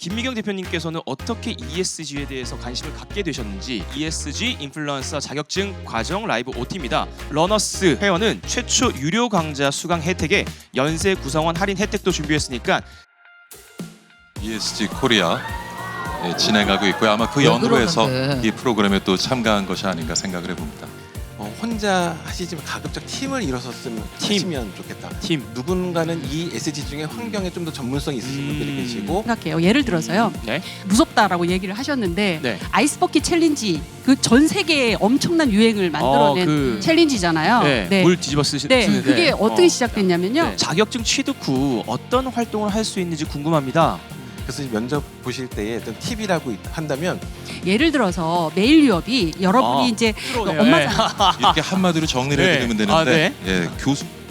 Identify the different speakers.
Speaker 1: 김미경 대표님께서는 어떻게 ESG에 대해서 관심을 갖게 되셨는지 ESG 인플루언서 자격증 과정 라이브 OT입니다. 러너스 회원은 최초 유료 강좌 수강 혜택에 연세 구성원 할인 혜택도 준비했으니까
Speaker 2: ESG 코리아 진행하고 있고요. 아마 그 연후해서
Speaker 3: 그러는데.
Speaker 2: 이 프로그램에 또 참가한 것이 아닌가 생각을 해봅니다.
Speaker 4: 혼자 하시지만 가급적 팀을 이뤄섰으면 하시면 좋겠다.
Speaker 1: 팀.
Speaker 4: 누군가는 이 SG 중에 환경에 좀 더 전문성이 있으신 분들이 계시고
Speaker 5: 생각해요. 예를 들어서요.
Speaker 1: 네.
Speaker 5: 무섭다라고 얘기를 하셨는데
Speaker 1: 네.
Speaker 5: 아이스버킷 챌린지 그 전 세계에 엄청난 유행을 만들어낸
Speaker 1: 그-
Speaker 5: 챌린지잖아요.
Speaker 1: 네. 물 뒤집어 쓰시.
Speaker 5: 네,
Speaker 1: 쓰는데.
Speaker 5: 그게 어떻게 시작됐냐면요.
Speaker 1: 네. 자격증 취득 후 어떤 활동을 할 수 있는지 궁금합니다.
Speaker 4: 그래서 면접 보실 때에 어떤 팁이라고 한다면
Speaker 5: 예를 들어서 메일 유업이 여러분이
Speaker 1: 아,
Speaker 5: 이제
Speaker 1: 그러네요.
Speaker 5: 엄마
Speaker 1: 네.
Speaker 5: 장
Speaker 2: 이렇게 한마디로 정리를
Speaker 1: 네.
Speaker 2: 해드리면 되는데
Speaker 1: 아, 네.
Speaker 2: 예, 교수